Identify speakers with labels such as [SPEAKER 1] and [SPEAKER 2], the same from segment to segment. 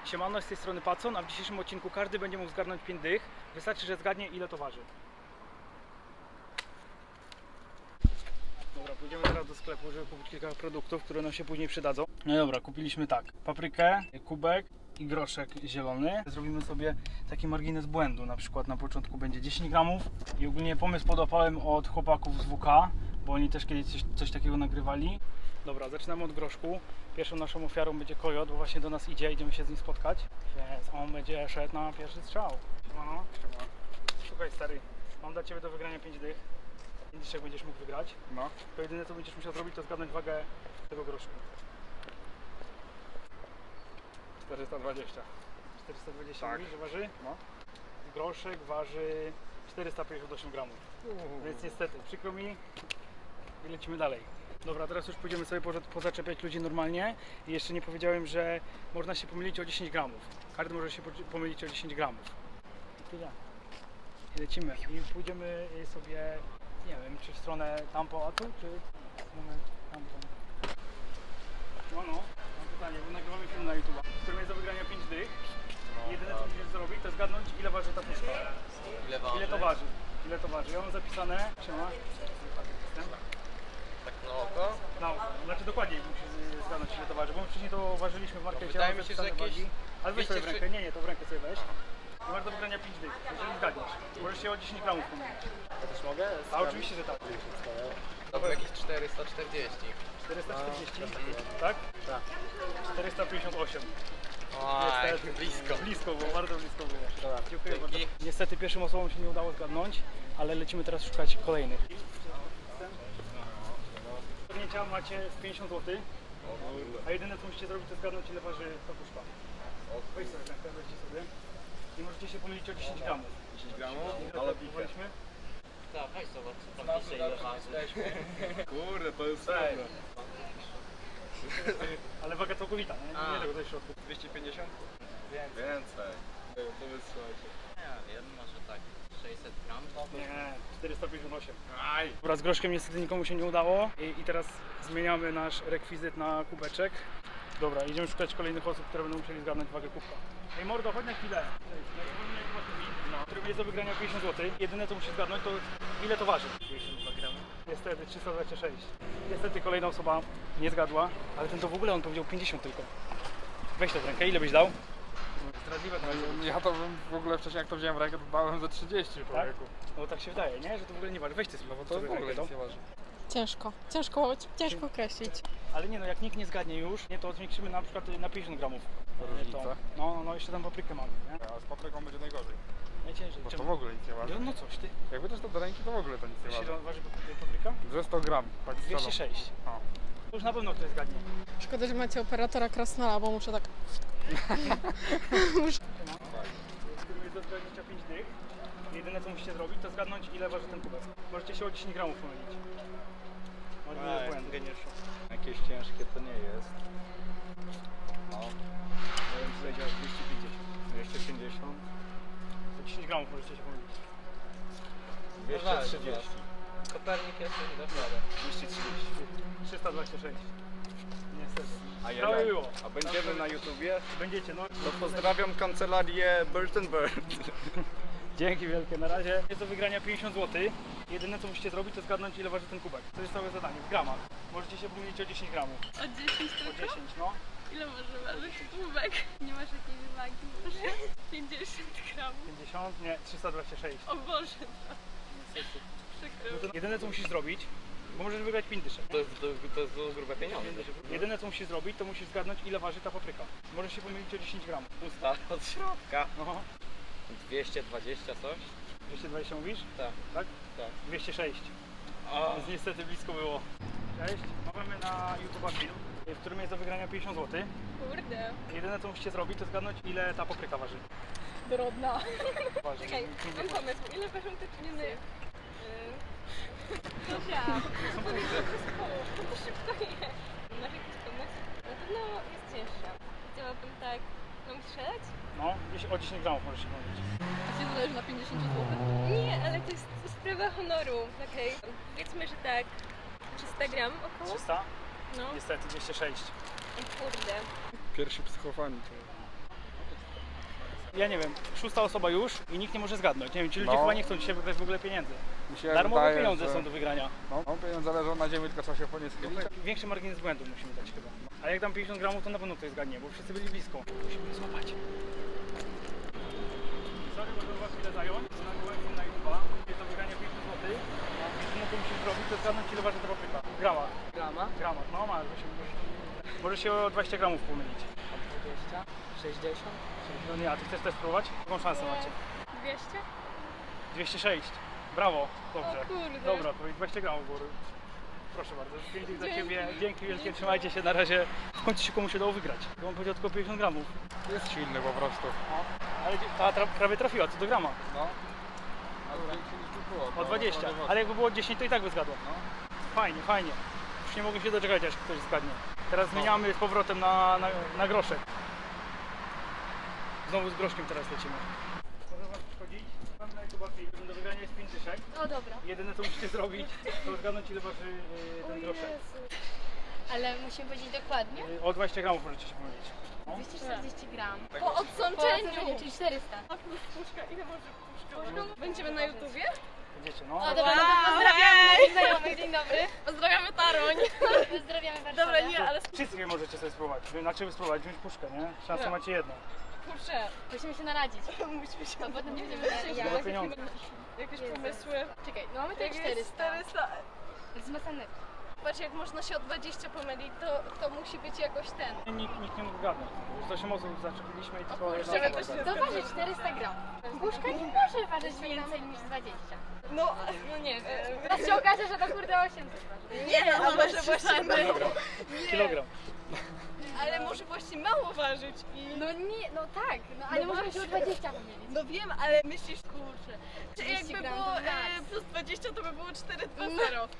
[SPEAKER 1] Siemano, z tej strony Pacon, a w dzisiejszym odcinku każdy będzie mógł zgarnąć 5 dych. Wystarczy, że zgadnie, ile to waży. Dobra, pójdziemy teraz do sklepu, żeby kupić kilka produktów, które nam się później przydadzą. No dobra, kupiliśmy tak, paprykę, kubek i groszek zielony. Zrobimy sobie taki margines błędu, na przykład na początku będzie 10 gramów i ogólnie pomysł podłapałem od chłopaków z WK, bo oni też kiedyś coś takiego nagrywali. Dobra, zaczynamy od groszku. Pierwszą naszą ofiarą będzie kojot, bo właśnie do nas idzie, idziemy się z nim spotkać. Więc on będzie szedł na pierwszy strzał. Siemano. Słuchaj stary, mam dla Ciebie do wygrania 5 dych. 5 dyszek będziesz mógł wygrać.
[SPEAKER 2] No.
[SPEAKER 1] To jedyne co będziesz musiał zrobić, to zgadnąć wagę tego groszku.
[SPEAKER 2] 420.
[SPEAKER 1] 420
[SPEAKER 2] Tak.
[SPEAKER 1] mówisz, że waży?
[SPEAKER 2] No.
[SPEAKER 1] Groszek waży 458 gramów. Więc niestety, przykro mi i lecimy dalej. Dobra, teraz już pójdziemy sobie pozaczepiać ludzi normalnie. I jeszcze nie powiedziałem, że można się pomylić o 10 gramów. Każdy może się pomylić o 10 gramów. I tyle. I lecimy. I pójdziemy sobie, nie wiem, czy w stronę tampoatu, czy w stronę tampon. No, mam pytanie, bo nagrywamy film na YouTube, w którym jest do wygrania 5 dych. Jedyne co musisz zrobić, to zgadnąć, ile waży ta puszka. Ile to waży? Ile to waży? Ja mam zapisane. Siema.
[SPEAKER 3] Tak na oko?
[SPEAKER 1] No, znaczy dokładnie musisz zgadnąć, ile to waży, bo my wcześniej to ważyliśmy w markecie.
[SPEAKER 3] Wydaje
[SPEAKER 1] mam
[SPEAKER 3] mi się, że
[SPEAKER 1] zapisane
[SPEAKER 3] jakieś
[SPEAKER 1] wagi. Ale weź sobie w
[SPEAKER 3] 200
[SPEAKER 1] rękę, nie, to w rękę sobie weź. I masz do wygrania 5 dych, jeżeli zgadniesz. Możesz się o 10 gramów pomylić.
[SPEAKER 3] Ja też mogę?
[SPEAKER 1] A oczywiście, że tak.
[SPEAKER 3] To było jakieś 440.
[SPEAKER 1] 440, tak?
[SPEAKER 3] Tak.
[SPEAKER 1] 458.
[SPEAKER 3] Oj,
[SPEAKER 1] Niestety.
[SPEAKER 3] blisko.
[SPEAKER 1] Blisko było, bardzo blisko było.
[SPEAKER 3] Dobra,
[SPEAKER 1] Dziękuję bardzo.
[SPEAKER 3] dzięki.
[SPEAKER 1] Niestety pierwszym osobom się nie udało zgadnąć, ale lecimy teraz szukać kolejnych. Zgadnięcia macie 50 zł, a jedyne co musicie zrobić, to zgadnąć, ile waży ta puszka. Weź sobie rękę, weźcie sobie. I możecie się pomylić o 10 gramów.
[SPEAKER 2] 10 gramów?
[SPEAKER 1] Ile
[SPEAKER 2] Ale
[SPEAKER 1] tak próbowaliśmy?
[SPEAKER 4] Tak, weź zobacz, co tam pisze, ile waży.
[SPEAKER 2] Kurde, to jest dobre.
[SPEAKER 1] Ale waga całkowita, nie tego tutaj w środku.
[SPEAKER 2] 250? Więcej. To wysyłajcie.
[SPEAKER 4] Nie wiem, może tak 600 gram.
[SPEAKER 1] Nie, 458.
[SPEAKER 2] Aj!
[SPEAKER 1] Dobra, z groszkiem niestety nikomu się nie udało i teraz zmieniamy nasz rekwizyt na kubeczek. Dobra, idziemy szukać kolejnych osób, które będą musieli zgadnąć wagę kubka. Ej mordo, chodź na chwilę. Który jest do wygrania 50 zł. Jedyne co musisz zgadnąć, to ile to waży.
[SPEAKER 4] 52 gramy.
[SPEAKER 1] Niestety 326. Niestety kolejna osoba nie zgadła, ale ten to w ogóle on powiedział 50 tylko. Weź to w rękę, ile byś dał? Zdradliwe to będzie.
[SPEAKER 2] Ja to bym w ogóle wcześniej jak to wziąłem w rękę, to dałem za 30 człowieku.
[SPEAKER 1] No tak się wydaje, nie? Że to w ogóle nie waży. Weź ty sobie,
[SPEAKER 2] No bo to
[SPEAKER 1] sobie
[SPEAKER 2] w ogóle
[SPEAKER 1] rękę,
[SPEAKER 2] nic nie waży.
[SPEAKER 5] Ciężko określić.
[SPEAKER 1] Ale nie no, jak nikt nie zgadnie już, nie, to zwiększymy na przykład na 50 gramów.
[SPEAKER 2] Różnica?
[SPEAKER 1] No, jeszcze tam paprykę mamy, nie?
[SPEAKER 2] A z papryką będzie najgorzej.
[SPEAKER 1] Najciężej.
[SPEAKER 2] Bo to
[SPEAKER 1] Czemu?
[SPEAKER 2] w ogóle nic nie waży.
[SPEAKER 1] No coś ty.
[SPEAKER 2] Jak będziesz to do ręki, to w ogóle to nic nie
[SPEAKER 1] Ile
[SPEAKER 2] waży.
[SPEAKER 1] waży papryka?
[SPEAKER 2] Ze 100 gram. Tak z
[SPEAKER 1] 206.
[SPEAKER 2] O.
[SPEAKER 1] To już na pewno ktoś zgadnie.
[SPEAKER 5] Szkoda, że macie operatora krasnala, bo muszę tak...
[SPEAKER 1] Którym jest do 25 dych. Jedyne co musicie zrobić, to zgadnąć, ile waży ten kubek. Możecie się o 10 gramów pomylić. No, nie jest błędu.
[SPEAKER 6] Jakieś ciężkie to nie jest. No. Ja bym powiedział 250. 250.
[SPEAKER 1] O 10 gramów możecie się pomylić.
[SPEAKER 6] 230.
[SPEAKER 4] Kopernik jest już do przodu.
[SPEAKER 6] 230.
[SPEAKER 1] 326. Niestety.
[SPEAKER 6] A
[SPEAKER 1] Prawie było.
[SPEAKER 6] A będziemy na YouTubie?
[SPEAKER 1] Będziecie, no.
[SPEAKER 6] To pozdrawiam kancelarię Bird & Bird.
[SPEAKER 1] Dzięki wielkie, na razie jest do wygrania 50 zł. Jedyne co musicie zrobić, to zgadnąć, ile waży ten kubek. To jest całe zadanie, w gramach. Możecie się pomylić o 10 gramów.
[SPEAKER 7] O 10
[SPEAKER 1] O
[SPEAKER 7] tylko?
[SPEAKER 1] 10, no.
[SPEAKER 7] Ile może ważyć kubek? Nie masz jakiejś wagi może? 50 gramów.
[SPEAKER 1] 50, nie, 326.
[SPEAKER 7] O Boże, przykro.
[SPEAKER 1] No to jedyne co musisz zrobić, bo możesz wygrać 5 dyszek.
[SPEAKER 3] To jest grube pieniądze.
[SPEAKER 1] Jedyne co musisz zrobić, to musisz zgadnąć, ile waży ta papryka. Możesz się pomylić o 10 gramów.
[SPEAKER 3] Pusta od środka.
[SPEAKER 1] No,
[SPEAKER 3] 220 coś?
[SPEAKER 1] 220 mówisz?
[SPEAKER 3] Tak.
[SPEAKER 1] Tak?
[SPEAKER 3] Tak.
[SPEAKER 1] 206.
[SPEAKER 3] O.
[SPEAKER 1] Więc niestety blisko było. Cześć, mamy na YouTube film, w którym jest do wygrania 50 zł.
[SPEAKER 7] Kurde.
[SPEAKER 1] Jedyne co musicie zrobić, to zgadnąć, ile ta papryka waży.
[SPEAKER 7] Dorodna.
[SPEAKER 1] Waży.
[SPEAKER 7] Czekaj, mam pomysł. Ile ważą te czyny? Zosia. To szybko je. Masz jakiś pomysł? Na pewno jest cięższa. Chciałabym tak... Mam strzelać?
[SPEAKER 1] No, o 10 gramów możesz się pomylić.
[SPEAKER 7] A się zależy na 50 zł? Nie, ale to jest sprawa honoru. Okej. Powiedzmy, że tak 300 gram około?
[SPEAKER 1] 300?
[SPEAKER 7] No.
[SPEAKER 1] Niestety 206.
[SPEAKER 7] Kurde.
[SPEAKER 2] Pierwsi psychofani.
[SPEAKER 1] Ja nie wiem, 6. osoba już i nikt nie może zgadnąć. Nie wiem, ci ludzie
[SPEAKER 2] No.
[SPEAKER 1] chyba nie chcą dzisiaj wygrać w ogóle pieniędzy.
[SPEAKER 2] Mi się
[SPEAKER 1] Darmowe
[SPEAKER 2] wydaje,
[SPEAKER 1] pieniądze
[SPEAKER 2] że...
[SPEAKER 1] są do wygrania.
[SPEAKER 2] No, pieniądze leżą na ziemi, tylko trzeba się po nie schylić.
[SPEAKER 1] Większy margines błędu musimy dać chyba. A jak dam 50 gramów, to na pewno ktoś zgadnie, bo wszyscy byli blisko. Musimy złapać. Sorry, może was chwilę zająć. Na gołębi na YouTube'a. Jest do wygrania 50 zł. Jedyne co musisz zrobić, to zgadnąć ile waży ta papryka. W gramach.
[SPEAKER 4] Grama?
[SPEAKER 1] W gramach, no masz. Może się o 20 gramów pomylić.
[SPEAKER 4] 20? 60?
[SPEAKER 1] No nie, a ty chcesz też spróbować? Jaką szansę macie?
[SPEAKER 7] 200?
[SPEAKER 1] 206. Brawo, dobrze.
[SPEAKER 7] O kurde.
[SPEAKER 1] Dobra, to 20 gramów góry. Proszę bardzo, pięknie za Ciebie. Dzięki wielkie, trzymajcie się na razie. W końcu się komuś udało wygrać. Bo on powiedział tylko 50 gramów.
[SPEAKER 2] Jest silny po prostu.
[SPEAKER 1] Ale ta prawie trafiła, co do grama.
[SPEAKER 2] No. Ale większy niż tu było.
[SPEAKER 1] O 20. Ale jakby było 10, to i tak by zgadło.
[SPEAKER 2] No.
[SPEAKER 1] Fajnie, fajnie. Już nie mogę się doczekać, aż ktoś zgadnie. Teraz zmieniamy z powrotem na groszek. Znowu z groszkiem teraz lecimy. Może was przychodzić? Mam na YouTube do wygrania jest 5 dyszek.
[SPEAKER 7] O dobra.
[SPEAKER 1] Jedyne co musicie zrobić, to zgadnąć ile waży ten groszek.
[SPEAKER 7] Ale musimy powiedzieć dokładnie.
[SPEAKER 1] O 20 gramów możecie się pomylić. No.
[SPEAKER 7] 240 gram.
[SPEAKER 5] Po odsączeniu.
[SPEAKER 7] Czyli 400.
[SPEAKER 5] Puszka, ile może puszka? Będziemy na YouTubie?
[SPEAKER 1] Będziecie, no.
[SPEAKER 7] O dobra, no to pozdrawiamy naszych znajomych. Dzień dobry.
[SPEAKER 5] Pozdrawiamy Taroń.
[SPEAKER 7] Pozdrawiamy Warszawę.
[SPEAKER 5] Dobra, nie, ale
[SPEAKER 1] Wszystkie możecie sobie spróbować. Znaczy spróbować, wziąć puszkę, nie? Szansę macie jedną.
[SPEAKER 5] kurczę,
[SPEAKER 7] Musimy się naradzić.
[SPEAKER 5] musimy się...
[SPEAKER 7] A potem nie będziemy wiedzieć.
[SPEAKER 1] Za pieniądze.
[SPEAKER 5] Jakieś pomysły?
[SPEAKER 7] Czekaj, no mamy tutaj
[SPEAKER 5] Jak jest
[SPEAKER 7] 400.
[SPEAKER 5] 400.
[SPEAKER 7] Zmacane.
[SPEAKER 5] Patrz, jak można się o 20 pomylić, to musi być jakoś ten.
[SPEAKER 1] Nikt nie mógł gadnąć. Już 8 osób zaczepiliśmy i tylko
[SPEAKER 5] kurczę,
[SPEAKER 1] jedna
[SPEAKER 5] my
[SPEAKER 1] osoba
[SPEAKER 5] to się
[SPEAKER 1] zgadła.
[SPEAKER 7] To waży 400 gram. Puszka nie może ważyć więcej niż 20.
[SPEAKER 5] No nie.
[SPEAKER 7] Teraz się okaże, że to kurde 800 waży.
[SPEAKER 5] Nie, a może właśnie
[SPEAKER 1] Kilogram. Kilogram.
[SPEAKER 5] ale może właśnie mało ważyć i...
[SPEAKER 7] No nie, no tak, no ale możemy się o 20 pomylić.
[SPEAKER 5] No wiem, ale myślisz, kurczę, czy
[SPEAKER 7] 30
[SPEAKER 5] jakby
[SPEAKER 7] gram
[SPEAKER 5] było
[SPEAKER 7] to max.
[SPEAKER 5] plus 20, to by było 420.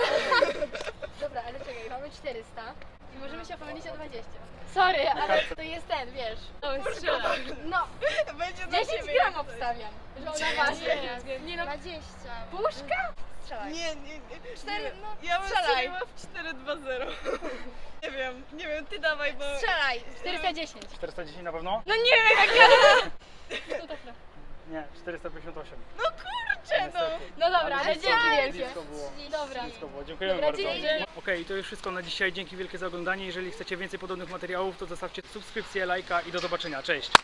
[SPEAKER 7] Dobra, ale czekaj, mamy 400 i możemy się pomylić o 20. Sorry, ale to jest ten, wiesz. No,
[SPEAKER 5] Będzie dla
[SPEAKER 7] 10
[SPEAKER 5] ciebie
[SPEAKER 7] gram
[SPEAKER 5] jak coś.
[SPEAKER 7] obstawiam, że ona waży. Nie no,
[SPEAKER 8] 20.
[SPEAKER 7] puszka? Strzelaj.
[SPEAKER 5] Nie.
[SPEAKER 7] 4, no
[SPEAKER 5] Ja bym
[SPEAKER 7] strzelaj.
[SPEAKER 5] strzeliła w 420. Nie wiem, ty dawaj, bo...
[SPEAKER 7] Strzelaj, 410.
[SPEAKER 1] 410 na pewno?
[SPEAKER 5] No nie wiem, jak ja...
[SPEAKER 7] No dobra.
[SPEAKER 1] Nie, 458.
[SPEAKER 5] No kurczę, no.
[SPEAKER 1] Niestety.
[SPEAKER 7] No dobra, ale
[SPEAKER 1] blisko,
[SPEAKER 7] dzięki wielkie.
[SPEAKER 1] blisko było.
[SPEAKER 7] Dobra.
[SPEAKER 1] Blisko było. Dziękujemy
[SPEAKER 7] Dobra,
[SPEAKER 1] bardzo.
[SPEAKER 7] dzięki.
[SPEAKER 1] Okej, to już wszystko na dzisiaj. Dzięki wielkie za oglądanie. Jeżeli chcecie więcej podobnych materiałów, to zostawcie subskrypcję, lajka i do zobaczenia. Cześć!